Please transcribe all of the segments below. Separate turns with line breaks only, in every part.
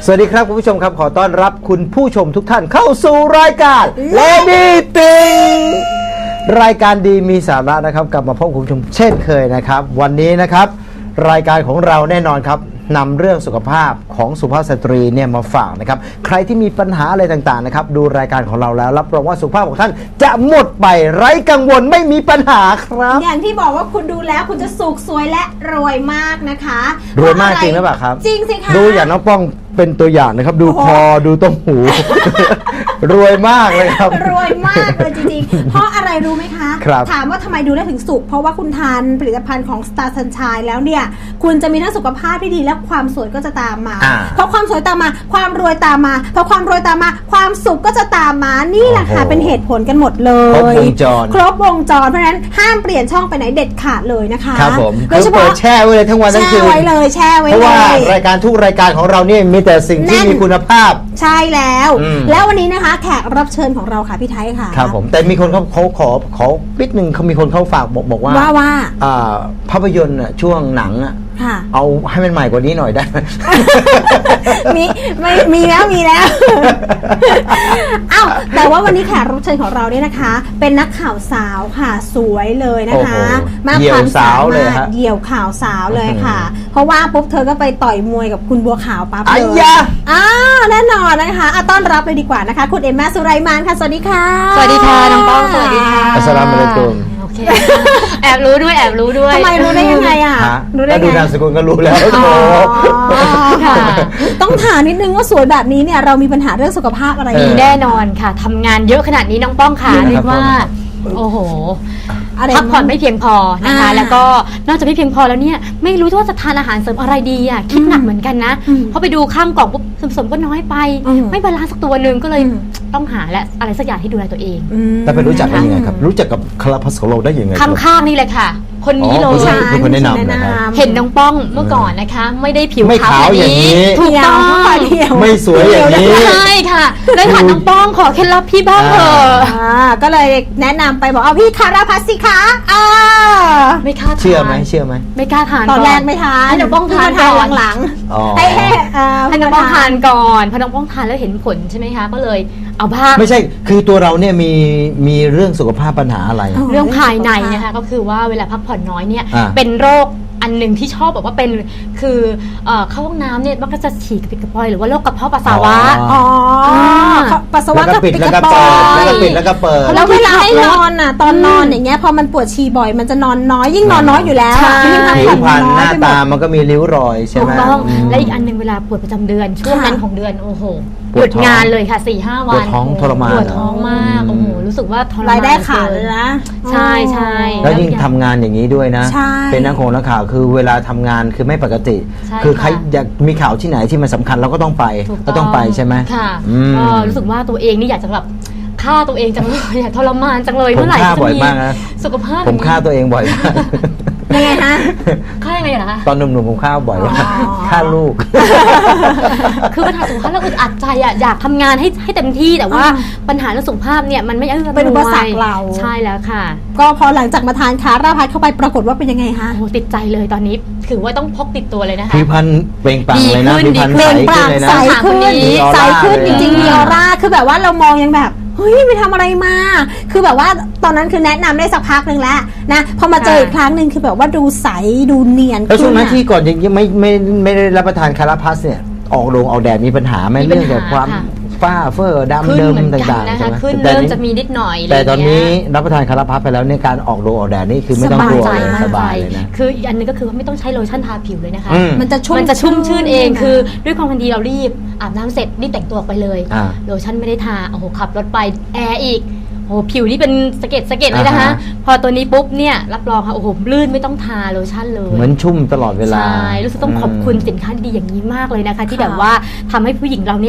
สวัสดีครับคุณผู้ชมครับขอต้อนรับคุณผู้ชมทุกท่านเข้าสู่รายการ Lady ติงรายการดีมีสาระนะครับกลับมาพบคุณผู้ชมเช่นเคยนะครับวันนี้นะครับรายการของเราแน่นอนครับนำเรื่องสุขภาพของสุภาพสตรีเนี่ยมาฝากนะครับใครที่มีปัญหาอะไรต่างๆนะครับดูรายการของเราแล้วรับรองว่าสุขภาพของท่านจะหมดไปไร้กังวลไม่มีปัญหาครับ
อย่างที่บอกว่าคุณดูแล้วคุณจะสุขสวยและรวยมากนะคะ
รวยมากจริงหรือเปล่าครับ
จริงสิคะ
ดูอย่างน้องป้องเป็นตัวอย่างนะครับดูคอดูต้มหู รวยมากเลยครับ
รวยมากเลยจริงๆเพราะอะไรรู้ไหมคะถามว่าทำไมดูได้ถึงสุขเพราะว่าคุณทานผลิตภัณฑ์ของ Star Sunshine แล้วเนี่ยคุณจะมีทั้งสุขภาพที่ดีและความสวยก็จะตามมาเพราะความสวยตามมาความรวยตามมาพอความรวยตามมาความสุขก็จะตามมานี่แหละค่ะเป็นเหตุผลกันหมดเลยครบวงจรเพราะฉะนั้นห้ามเปลี่ยนช่องไปไหนเด็ดขาดเลยนะคะ
ครับผมโดยเฉพาะแช่ไว้เลยทั้งวันทั้งคืน
แช่ไว้เลยแช่ไว้เลย
เพราะว่ารายการทุกรายการของเราเนี่ยมีแต่สิ่งที่มีคุณภาพ
ใช่แล้วแล้ววันนี้นะคะแขกรับเชิญของเราค่ะพี่ไทยค่ะ
ครับผมแต่มีคนเขาขอปิดหนึ่งเขามีคนเขาฝากบอกว่าภาพยนตร์ช่วงหนังเอาให้มันใหม่กว่านี้หน่อยได้ไหม
มีแล้วอ้าวแต่ว่าวันนี้แขกรับเชิญของเราเนี่ยนะคะเป็นนักข่าวสาวค่ะสวยเลยนะคะ
มากความสามารถ
เดี่ยวข่าวสาวเลยค่ะเพราะว่าปุ๊บเธอก็ไปต่อยมวยกับคุณบัวขาวปั๊บเลยแน่นอนนะคะต้อนรับเลยดีกว่านะคะคุณเอมม่าสุไรมานค่ะสวัสดีค่ะ
สวัสดีค่ะน้องป้องสวัสดีค่ะ
อัสสลามุอะลัยกุม
แอบรู้ด้วย
ทำไมรู้ได้ยังไงอ่ะ
รู้ได้ไงดูนามสกุลก็รู้แล้ว
ต้องถามนิดนึงว่าสวยแบบนี้เนี่ยเรามีปัญหาเรื่องสุขภาพอะไร
มีแน่นอนค่ะทำงานเยอะขนาดนี้น้องป้องค่ะเรียกว่าโอ้โหพักผ่อนไม่เพียงพอนะคะแล้วก็นอกจากไม่เพียงพอแล้วเนี่ยไม่รู้ว่าจะทานอาหารเสริมอะไรดีอ่ะคิดหนักเหมือนกันนะเพราะไปดูข้ามกล่องปุ๊บส่วนผสมก็น้อยไปไม่บาลานซ์สักตัวนึงก็เลยต้องหาและอะไรสักอย่างที่ดูแลตัวเอง
แต่ไปรู้จักได้ยังไงครับรู้จักกับคาราพัสโลได้ยังไง
ข้างๆนี่เลยค่ะคนนี้เลย
คนแนะนำ
เห็นน้องป้องเมื่อก่อนนะคะไม่ได้ผิว
ขาวอย่างนี้
ถูกต้อง
ไม่สวยอย่างนี้
ใช่ค่ะได้ถามน้องป้องขอเคล็ดลับพี่บ้างเถอะ
ก็เลยแนะนำไปบอกเอาพี่คาราพัสสิคะ
ไม่กล้าทาน
เชื่อไหม
ไม่กล้าทาน
ตอนแรกไม่ทาน
ให้น้องป้องทานก่อน
หลัง
ให้น้องป้องทานก่อนพอน้องป้องทานแล้วเห็นผลใช่ไหมคะก็เลยเอาบ้าง
ไม่ใช่คือตัวเราเนี่ยมีเรื่องสุขภาพปัญหาอะไร
เรื่องภายในนะคะก็คือว่าเวลาพักผ่อนน้อยเนี่ยเป็นโรคอันหนึ่งที่ชอบแบบว่าเป็นคือเข้าห้องน้ำเนี่ยมันก็จะฉี่กระปิดกระปอยหรือว่าโรคกระเพาะปัสสาวะ
ปัสสาวะกระปิดกระปอย
แล้วก็เปิด
แล้วเวลาให้นอนอ่ะตอนนอนอย่างเงี้ยพอมันปวดฉี่บ่อยมันจะนอนน้อยยิ่งนอนน้อยอยู่แล้ว
ยิ่งพักผ่อนน้อยหน้าตามันก็มีริ้วรอยใช่ไหม
ถูกต้องและอีกอันหนึ่งเวลาปวดประจำเดือนช่วงนั้นของเดือนโอ้โหหยุดงานเลยค่ะ 4-5 วัน
ปวดท้องทรมาน
ปวดท้องมากโอ้โหรู้สึกว่าทรมาน
รายได้ขาดเลยนะ
ใช่
แล้วยิ่งทำงานอย่างนี้ด้วยนะเป็นนักข่าวคือเวลาทำงานคือไม่ปกติคือใครอยากมีข่าวที่ไหนที่มันสำคัญเราก็ต้องไปใช่ไหม
ค่ะก็รู้สึกว่าตัวเองนี่อยากจะแบบฆ่าตัวเองจังเลยอยากทรมานจังเลยเมื่อไหร่จะมีสุขภาพ
ผมฆ่าตัวเองบ่อยมาก
ยังไงคะ
ฆ่ายังไงเหรอคะ
ตอนหนุ่มๆผมฆ่าบ่อยว่าฆ่าลูก
คือปัญหาสุขภาพเราอึดอัดใจอยากทำงานให้เต็มที่แต่ว่าปัญหาเรื่องสุขภาพเนี่ยมันไม่
เป็นอุปสรรคเรา
ใช่แล้วค่ะ
ก็พอหลังจากมาทานคาราพัสเข้าไปปรากฏว่าเป็นยังไงคะ
โอ้ติดใจเลยตอนนี้ถือว่าต้องพกติดตัวเลยนะคะ
ผิวพรรณเปล่งปลั่งเลยนะ
ผิวพรรณ
ใสขึ้นเลยนะ
ใสขึ้นจริงๆมีออร่าคือแบบว่าเรามองยังแบบเฮ้ยไปทำอะไรมาคือแบบว่าตอนนั้นคือแนะนำได้สักพักหนึ่งแล้วนะพอมาเจออีกครั้งหนึ่งคือแบบว่าดูใสดูเนียน
แล้วช่วงนั้นที่ก่อนยังไม่ได้รับประทานคาราพัสเนี่ยออกแดดมีปัญหาไหมเรื่องจากความฝ้าเฟ้อดำเดิมต่างๆใช่ไหม
ขึ้นเริ่มจะมีนิดหน่อย
แต่ตอนนี้รับประทานคาราพัสไปแล้วในการออกแดดนี่คือไม่ต้องกลัวสบายเลยนะ
คืออีกอันนึงก็คือว่าไม่ต้องใช้โลชั่นทาผิวเลยนะคะ
มันจะ
ชุ่มชื่นเองคือด้วยความทันทีเรารีบอาบน้ำเสร็จรีบแต่งตัวไปเลยโลชั่นไม่ได้ทาโอ้โหขับรถไปแอร์อีกโอ้ผิวนี่เป็นสะเก็ดเลยนะคะพอตัวนี้ปุ๊บเนี่ยรับรองค่ะโอ้โหลื่นไม่ต้องทาโลชั่นเลย
เหมือนชุ่มตลอดเวลา
ใช่รู้สึกต้องขอบคุณสินค้าดีๆอย่างนี้มากเลยนะคะที่แบบว่าทำให้ผู้หญิงเราเนี่ย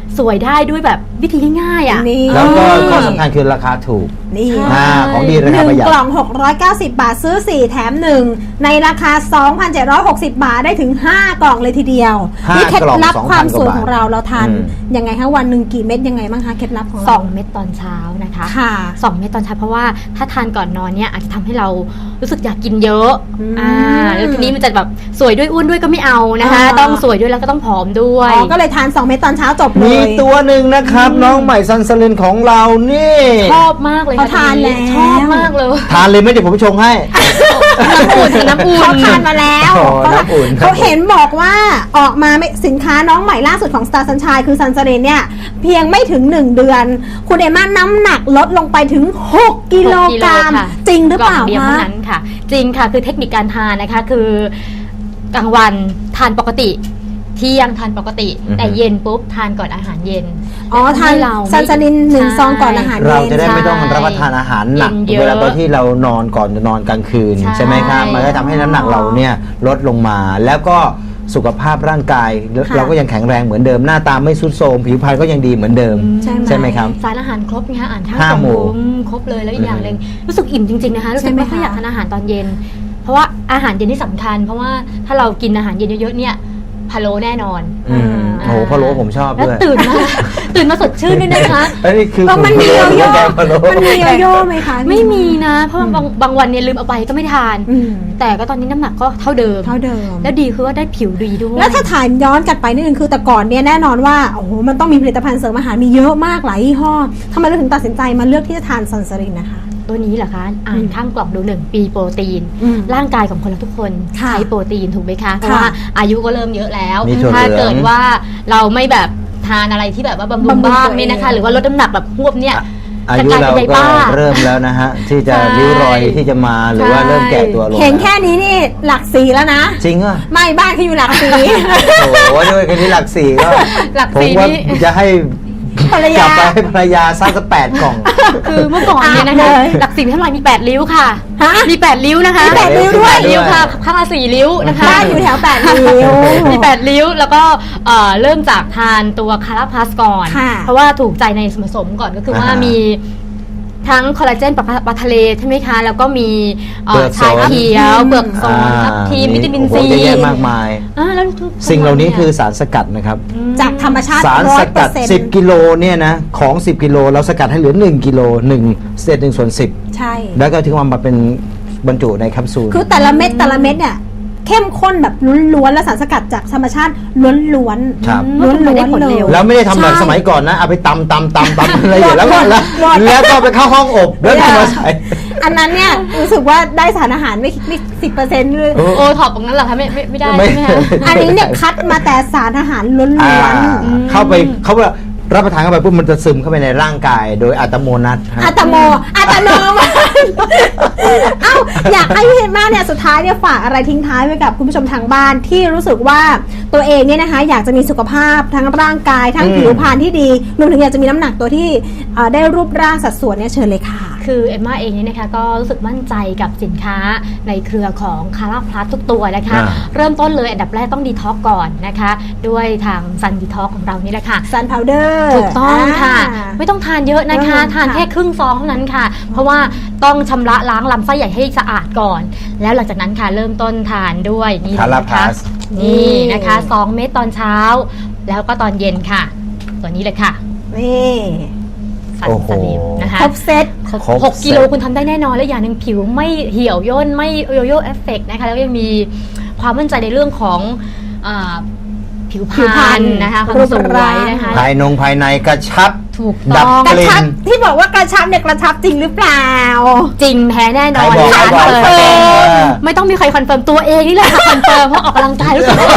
สวยได้ด้วยแบบวิธีง่ายๆอ่ะ
นี่
แล้วก็ข้อสำคัญคือราคาถูก
นี่
ของดีราคาประหยัด
1 กล่อง 690 บาทซื้อ 4 แถม 1 ในราคา 2,760 บาทได้ถึง 5 กล่องเลยทีเดียว
5
นี่เคล็ดลับ
กล่อง
ความสวย
2,000
ของเราทาน
อืม
ยังไงคะวันหนึ่งกี่เม็ดยังไงบ้างคะเคล็ดลับของเรา
2 เม็ดตอนเช้านะคะ
ค่ะ
2 เม็ดตอนเช้าเพราะว่าถ้าทานก่อนนอนเนี่ยอาจจะทำให้เรารู้สึกอยากกินเยอะ
อืม
แล้วทีนี้มันจะแบบสวยด้วยอ้วนด้วยก็ไม่เอานะคะ ต้องสวยด้วยแล้วก็ต้องผอมด้วย
อ๋อก็เลยทาน 2 เม็ดตอนเช้าจบเล
มี
ย
ตัวหนึ่งนะครับ น้องใหม่ซันสลินของเรานี่
ชอบมากเลย
เขาทานแล้ว
ชอบมากเลย
ทานเลยไหม่เดี๋ยวผมชงให้
น้ำอุ่นน้ำอุ่น
เขาทานมาแล้ว
อ๋อน้ำอุ่นครับ
เขาเห็นบอกว่าออกมาสินค้าน้องใหม่ล่าสุดของ Star Sunshine คือซันเซเรนเนี่ยเพียงไม่ถึง 1 เดือน คุณเอม่าน้ำหนักลดลงไปถึง 6 กิโลกรัม
ค่ะ
จริงหรือเปล่าก
ล่งเดียว
คะ
เท่านั้นค่ะ จริงค่ะคือเทคนิคการทานนะคะคือกลางวันทานปกติ เที่ยงทานปกติ
อือฮึ
แต่เย็นปุ๊บทานก่อนอาหารเย็น
อ๋อทาน
ให้เรา
ซันซาลิน1
ใช่
ซองก่อนอาหาร
เรา
เย็น
จะได้ไม่ต้อง
ใช่
รับประทานอาหารหนัก
เย็นเยอะ
เวลาตอนที่เรานอนก่อนจะนอนกลางคืน
ใช่
ใช่ไหมครับมันก็ทำให้น้ำหนักเราเนี่ยลดลงมา แล้วก็สุขภาพร่างกาย
ค่ะ
เราก็ยังแข็งแรงเหมือนเดิมหน้าตาไม่ทรุดโทรมผิวพรรณก็ยังดีเหมือนเดิม ใช่ไหมครับ
สารอาหารครบไงคะอ่านทั้ง
ห้าหมู่
ครบเลยแล้วอีกอย่างหนึ่งรู้สึกอิ่มจริงๆนะคะรู้สึก
ใช่ไหม
ไม่ค่อย
คะ
อยากทานอาหารตอนเย็น เพราะว่าอาหารเย็นที่สำคัญ เพราะว่าถ้าเรากินอาหารเย็นเยอะๆเนี่ยพะโล้แน่นอน
อืมโอ้โหพะโล้ผมชอบ
แล้ว
ด้วย
ตื่นมาสดชื่นด้วยนะคะ
อันนี้คือ
แล้วมันมีโยโย่
แกงพะโล้
มันมีโยโย่ไหมคะ
ไม่มีนะ เพราะว่าบางวันเนี่ยลืมเอาไปก็ไม่ทาน
อืม
แต่ก็ตอนนี้น้ำหนักก็เท่าเดิม
เท่าเดิม
แล้วดีคือว่าได้ผิวดีด้วย
แล้วถ้าถ่ายย้อนกลับไปนิดนึงคือแต่ก่อนเนี่ยแน่นอนว่าโอ้โหมันต้องมีผลิตภัณฑ์เสริมอาหารมีเยอะมากหลายยี่ห้อทำไมเราถึงตัดสินใจมาเลือกที่จะทานซันซารินนะคะ
ตัวนี้เหรอคะอ่านข้างกล่องดู1 ปีโปรตีน
อืม
ร่างกายของคนเราทุกคน
ค่ะ
ใช้โปรตีนถูกไหมคะเพราะว่าอายุก็เริ่มเยอะแล้ว
มีถั่วเหลือง
ถ้าเกิดว่าเราไม่แบบทานอะไรที่แบบว่าบำรุง
บำรุง
บ้าง
ตัวเอง
เนี่ยนะคะ หรือว่าลดน้ำหนักแบบหวบเนี่ย
อายุเรา
จะกลายเป็น
ก็
ยายบ้า
เริ่มแล้วนะฮะ ที่จะ
ใช่
ริ้วรอยที่จะมาหรือว่า
ใช่
เริ่มแก่ตัวลง
เห็นแค่นี้นี่หลักสีแล้วนะ
จริงอ่ะ
ไม่บ้านเขาอยู่หลักสี
โอ้โหด้วยกันที่หลักสี่ก็
หลัก
ผม
สี่
ว่า
นี่
จะให้
ภรร
กลั
ยา
บไปให้ภรรยาสร้างสัก8 กล่อง
คือเมื่อก่อนเนี่ยนะคะ
เลย
หลักสิบเท่าไหร่มี8 ริ้วค่ะ
ฮะ
มี8 ริ้วนะคะ
มี8ริ้วด้วย
แปริ้วค่ะข้างละ4 ริ้วนะคะ
บ้านอยู่แถว8 ริ้ว
มี8 ริ้วแล้วก็เริ่มจากทานตัวคาราพลัสก่อน
ค่ะ
เพราะว่าถูกใจในส่วนผสมก่อนก็คือว่า
อ่าฮะ
มีทั้งคอลลาเจนปลาทะเลใช่ไหมคะ แล้วก็มี
เปลือก
ชาเขียว เปลือกโซนทับทิมวิตามิน
โอ้
ซี
โหเยอะแยะมากมาย
แล้วทุก
สิ่งเหล่านี้คือสารสกัดนะครับ
จากธรรมชาติ
สารสกัด
100%
10 กิโลเนี่ยนะของ 10 กิโลเราสกัดให้เหลือ1 กิโล1เศษ1 ส่วน
ใช่
10 แล้วก็ถึงมาเป็นบรรจุในแคปซูล
คือแต่ละเม็ดเนี่ยเข้มข้นแบบล้วนๆและสารสกัดจากธรรมชาติล้วน
ครับ
ๆล้วนๆเลย
แล้วไม่ได้ทำแบบ
ใช่
สมัยก่อนนะ เอาไปตำอะไรอย่างแล้วก็แล้วก็ไปเข้าห้องอบแล้วก็มาใส่
อันนั้นเนี่ยรู้สึกว่าได้สารอาหารไม่10%เลย
โอ้
โอท็อปตรงนั้นเหรอคะไม่ได้
ไม่
ใช่ไหมคะ
อันนี้เนี่ยคัดมาแต่สารอาหารล้
อ่า
วน
เข้าไปเขาว่ารับประทานเข้าไปปุ๊บมันจะซึมเข้าไปในร่างกายโดยอัตโนมัติ
ๆ
ฮะ
อัตโนมัติเอ้าอยากให้พี่เห็นมากเนี่ยสุดท้ายเนี่ยฝากอะไรทิ้งท้ายไว้กับคุณผู้ชมทางบ้านที่รู้สึกว่าตัวเองเนี่ยนะคะอยากจะมีสุขภาพทั้งร่างกายทั้งผิวพรรณที่ดีรวมถึงอยากจะมีน้ำหนักตัวที่ได้รูปร่างสัดส่วนเนี่ยเชิญเลยค่ะ
คือเอมม่าเองเนี่ยนะคะก็รู้สึกมั่นใจกับสินค้าในเครือของคาราพลัสทุกตัวนะคะ
อ่า
เริ่มต้นเลยอันดับแรกต้องดีท็อกก่อนนะคะ ด้วยทางซันดีท็อกของเรานี่แหละค่ะ
ซันพาวเดอร์
ถูกต้องค่ะ ไม่ต้องทานเยอะนะคะ ทานแค่ครึ่งซองเท่านั้นค่ะ เพราะว่าต้องชำระล้างลำไส้ใหญ่ให้สะอาดก่อน แล้วหลังจากนั้นค่ะเริ่มต้นทานด้วยนี่เลยนะคะ
Calapas
นี่นะคะ2 เม็ดตอนเช้า แล้วก็ตอนเย็นค่ะ ตัวนี้เลยค่ะ
นี่
ซัน
โอ้โห
สลิมนะคะ
ครบเซต
ครบ
6 กิโลคุณทำได้แน่นอนและอย่างหนึ่งผิวไม่เหี่ยวย่นไม่โยโย่เอฟเฟกต์นะคะแล้วก็ยังมีความมั่นใจในเรื่องของอาผิวพ
ผิวพร
ร
ร
ร
ณ
ณนะคะความ
รูป
สว
ร่าง
ยนะคะ
ภายในกระชับ
ถูก
ดั
ต้
บ
อง
กระ
กลิ่
ชับ
น
ที่บอกว่ากระชับเนี่ยกระชับจริงหรือเปล่า
จริงแท้แน่นอน
ใครบอก
ค่ะ
ใครบอก
คอนเฟิร์ม
เออ
ไม่ต้องมีใครคอนเฟิร์มตัวเองนี่แหละค่ะคอนเฟิร์มเพราะออกกำลังกายรู้สึกเลย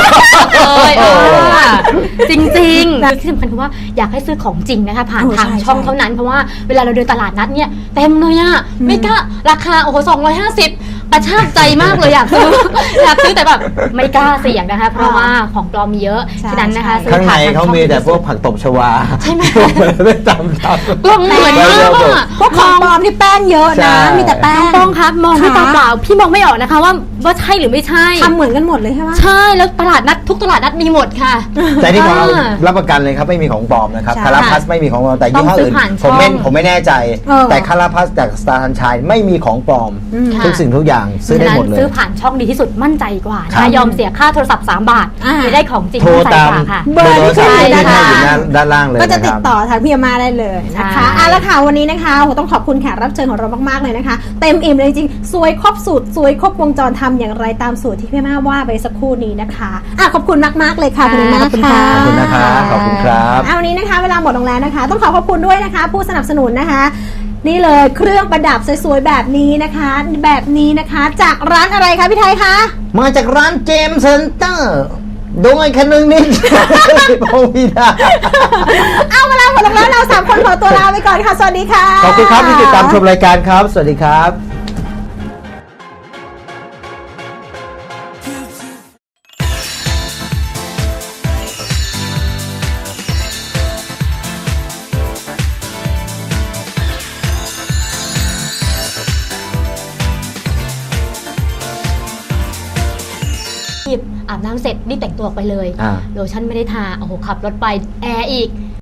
จริงๆที่สำคัญคือว่าอยากให้ซื้อของจริงนะคะผ่าน
โอ้
ทาง
ใช่
ช่อง
ใช่
เท่านั้นเพราะว่าเวลาเราเดินตลาดนัดเนี่ยเต็มเลยอะไม่กล้าราคาโอ้โห250กระชากใจมากเลยอยากซื้อ อยากซื้อแต่แบบไม่กล้าเสี่ยงนะคะเพราะว่าของปลอมมีเยอะ
ใช่
ฉะนั้นนะคะ
ใช่
ซื้อ
ข้างใน
ผ่านท
เขา
ช่อง
มีแต่พวกผักตบชวา
ใช่ไหม
ไม่จำ
กล่องเหมือนมากอะ
พวกของปลอมที่แป้งเยอะ
ใช่
นะ มีแต่แป้ง
ต้องครับมองด้วย
ค่ะ
ตาเปล่าพี่มองไม่ออกนะคะว่าว่าใช่หรือไม่ใช่
ทำเหมือนกันหมดเลยใช่ไหม
ใช่แล้วตลาดนัดทุกตลาดนัดมีหมดค่ะ
แต่นี่ของเรารับประกันเลยครับไม่มีของปลอมนะครับ
ใช่
คาราพัสไม่มีของปลอมแต่ยี่ห้ออื่น
ต้องซื้อผ่าน
ผมไม่
ช่อง
ผมไม่แน่ใจ แต่คาราพัสจากสตาร์ทันชัยไม่มีของปลอม
ค่ะ
ทุกสิ่งทุกอย่างซื้อได้หมดเลย
ซื้อผ่านช่องดีที่สุดมั่นใจกว่า
ครั
นะ
บ
ยอมเสียค่าโทรศัพท์3 บาท
อ่า
จะได้ของจริง
โทร
มั่นใจ
ตาม
กว่าค่ะ
เบอร์ที่ขึ้นอยู่
ที่
ด้าน
ให้
ล่าง
อยู่ด้านล่างเลย
ก็จะ
นะค
ติด
รับ
ต่อทางพี่อามาได้เลยนะคะ
ใช่
เอาละค่ะวันนี้นะคะโหต้องขอบคุณแขกรับเชิญของเรามากๆเลยนะคะ เต็มอิ่มเลยจริงๆสวยครบสูตรสวยครบวงจรทำอย่างไรตามสูตรที่พี่อามาว่าไปสักครู่นี้นะคะขอบคุณมากๆเลยค่ะคุณอามา
ขอบคุณค่ะ
ขอบคุณนะครับขอบคุณครับ
วันนี้นะคะเวลาหมดลงแล้วนะคะ ต้องขอขอบคุณด้วยนะคะ ผู้สนับสนุนนะคะ นี่เลยเครื่องประดับสวยๆแบบนี้นะคะ แบบนี้นะคะ จากร้านอะไรคะพี่ไทยคะ
มาจากร้านเจมส์เซ็นเตอร์ดงไอ้คันนึงนิด พงพิดา
เอาเวลาหมดลงแล้วเราสามคนขอตัวลาไปก่อนค่ะสวัสดีค่ะ
ขอบคุณครับที่ติดตามชมรายการครับ สวัสดีครับ
อาบน้ำเสร็จรีบแต่งตัวออกไปเลย
อ่า
โลชั่นไม่ได้ทาโอ้โหขับรถไปแอร์อีก